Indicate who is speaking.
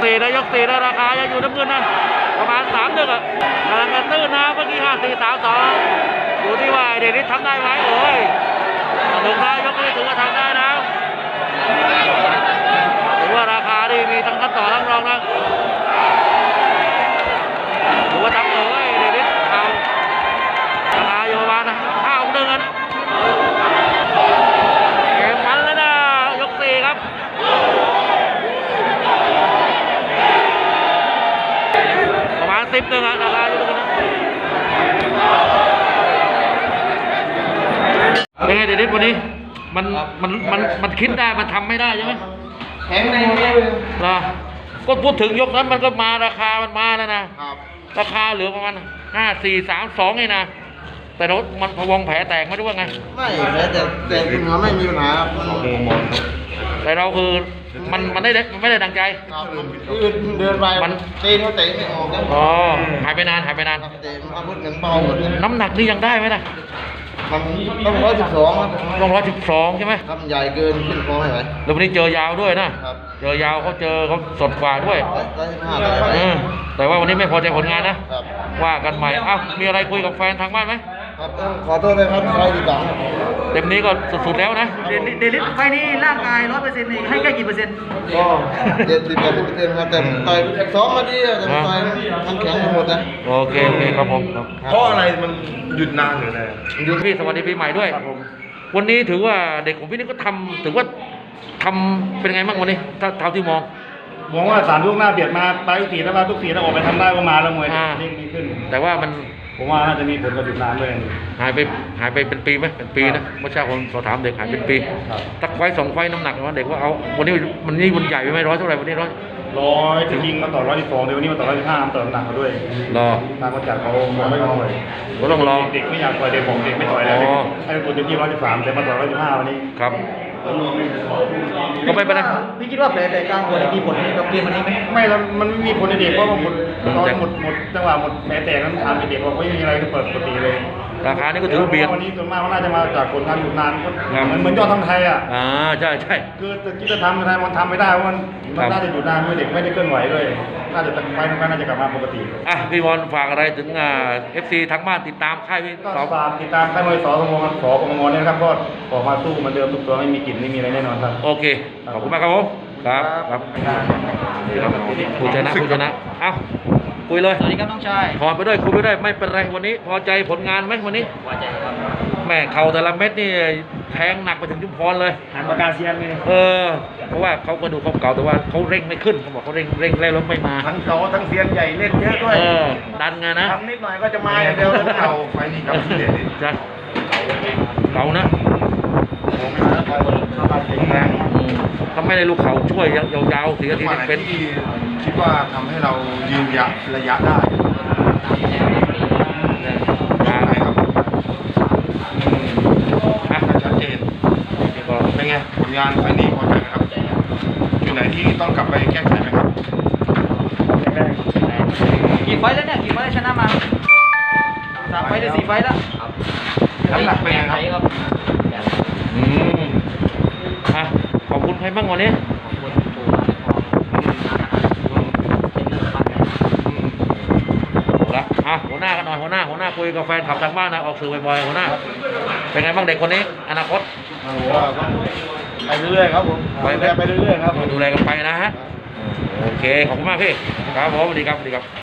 Speaker 1: 4นะยก4นะราคายังอยู่น้ำเงินนะประมาณ3-1อ่ะกำลังจะตื้นนะเมื่อกี้5-4-3-2อยู่ที่ว่าเดนิสทำได้ไหมโอ้ยถึงได้ยกนี้ถือว่าทำได้นะถือว่าราคาดีมีทั้งขั้นต่อทั้งรองนะถือว่าทำเลยเดนิสเอาราคาอยู่ประมาณ5-1นะเกมมันแล้วนะยก4ครับประมาณ10-1อ่ะราคาอยู่ตรงนั้นเป็นไงเดนิสวันนี้มันคิดได้มันทำไม่ได้ใช่ไหม
Speaker 2: แข็งในเลย
Speaker 1: นะก็พูดถึงยกนั้นมันก็มาราคามันมาแล้วนะราคาเหลือประมาณ5-4-3-2ไงนะแต่รถมันพวงแผลแตกไม่รู้ว่าไง
Speaker 2: ไม่แต่คุณหมอไม่มีปัญหาครับ
Speaker 1: แต่เราคือมันไม่ได้ดังใจ
Speaker 2: เดินไปมันตีนเขาเตะไม่ออกแล้ว
Speaker 1: อ๋อหายไปนาน
Speaker 2: เตะมันอาวุธเงินเบาหมด
Speaker 1: น้ำหนักนี่ยังได้ไหมนะ
Speaker 2: มันต้อง112ครับ
Speaker 1: ต้อง112ใช่ไหม
Speaker 2: ทำใหญ่เกินขึ้นคอไม่ไหว
Speaker 1: แล้ววันนี้เจอยาวด้วยนะเจอยาวเขาสดกว่าด้วยแต่ว่าวันนี้ไม่พอใจผลงานนะว่ากันใหม่อ้าวมีอะไรคุยกับแฟนทางบ้านไหม
Speaker 2: ครับขอโทษเลยครับใครดีกว่า
Speaker 1: เต็มนี้ก็สุดๆแล้วนะ
Speaker 3: เดลิสไฟนี้ร่างกาย 100%นี่ให้แค่กี่เปอร์เซ็นต์
Speaker 2: ก็70-80%ครับแต่ต่อยซ้อมมาดีแต่ต่อยมันแข็งหมดนะ
Speaker 1: โอเคครับผม
Speaker 2: เพราะอะไรมันหยุดนานหรืออะไร
Speaker 1: หยุดพี่สวัสดีปีใหม่ด้วยวันนี้ถือว่าเด็กของพี่นี่ก็ถือว่าทำเป็นไงบ้างวันนี้เท่าที่มอง
Speaker 4: ว่า3 ยกหน้าเบียดมาไปทุก4ถ้าทุก4ถ้าออกไปทำได้ก็มาแล้วมวยเร่งดีขึ้น
Speaker 1: แต่ว่า
Speaker 4: ผมว่าน่าจะมีผลกับหยุดนานด้วย
Speaker 1: หายไปเป็นปีไหมเป็นปีนะเมื่อเช้าผมสอบถามเด็กหายเป็นปีตักไฟ2 ไฟน้ำหนักว่าเด็กว่าเอาวันนี้มันใหญ่ไปไหม100เท่าไหร่วันนี้
Speaker 4: 100จะยิงมาต่อ112เดี๋ยววันนี้มาต่อ115ต่อหนักเขาด้วยทางคนจัดเขาไม่ยอมเลย
Speaker 1: ก็ต้องรอ
Speaker 4: เด็กไม่อยากต่อยเด็กผมเด็กไม่ต่อยแล้วให้ตัวเต็มที่113แต่มาต่อ115วันนี้
Speaker 1: ครับก็ไม่เป็นไร
Speaker 3: พี่คิดว่าแผลแต่กลางหัวมีผลกับเกมวันนี้ไหม
Speaker 4: ไม่แล้วมันไม่มีผลในเด็กเพราะว่าหมดจังหวะหมดแผลแตกนั้นทำเด็กว่าไม่มีอะไรก็เปิดปกติเลย
Speaker 1: ราคานี่ก็ถือเบียด
Speaker 4: วันนี้ส่วนมากน่าจะมาจากผลการหยุดนานเหมือนยอดทำไทยอ่ะ
Speaker 1: ใช่
Speaker 4: คือที่จะทำไทยมันทำไม่ได้เพราะมันน่าจะหยุดนานด้วยเด็กไม่ได้เคลื่อนไหวด้วยน่าจะไฟน่าจะกลับมาปกติ
Speaker 1: พี่บอลฝากอะไรถึงFC ทางบ้านติดตามค่ายพี่
Speaker 4: ฝากติดตามค่ายมวยสมงเนี่ยครับก็ออกมาสู้เหมือนเดิมทุกตัวไม่มีกลิ่นไม่มีอะไรแน่นอนครับ
Speaker 1: โอเคขอบคุณมากครับผมครับผู้ชนะเอ้าคุยเลย
Speaker 3: สวัสดีครับน้องชาย
Speaker 1: ถอนไปด้วยคุยไปด้วยไม่เป็นไรวันนี้พอใจผลงานไหมวันนี้
Speaker 3: พอใจครับ
Speaker 1: แม่เข่าแต่ละเม็ดนี่แทงหนักไปถึงชุมพรเลย
Speaker 3: หันปากกาเซียนเลย
Speaker 1: เพราะว่าเขาก็ดูเขาเก่าแต่ว่าเขาเร่งไม่ขึ้นเขาบอกเขาเร่งแล้วไม่มา
Speaker 2: ทั้งเขาทั้งเซียนใหญ่เล่นเยอะด้วย
Speaker 1: ดันไงนะ
Speaker 2: ทำนิดหน่อยก็จะมาอย่างเดียวเก่าไฟนี้กับที่เด็ด
Speaker 1: จ้ะเก่านะทำไม่ได้ลูกเขาช่วยยาวๆ4 นาทีเป็น
Speaker 2: คิดว่าทำให้เรายืนระยะได้ชัดเจนเป็นไงผลงานไฟนี้พอใจไหมครับอยู่ไหนที่ต้องกลับไปแก้ไขไหมครับ
Speaker 3: กี่ไฟแล้วเนี่ยกี่ไฟชนะมา3 ไฟหรือ4 ไฟแล้ว
Speaker 2: น้ำหนักเป็นไงครับ
Speaker 1: ขอบคุณใครบ้างวันนี้หัวหน้ากันหน่อยหัวหน้าคุยกับแฟนขับทางบ้านนะออกสื่อบ่อยๆหัวหน้าเป็นไงบ้างเด็กคนนี้อนาคต
Speaker 2: ไปเรื่อยๆครับผมไปเรื่อยๆครับ
Speaker 1: ดูแลกันไปนะฮะโอเคขอบคุณมากพี่ครับผมสวัสดีครับ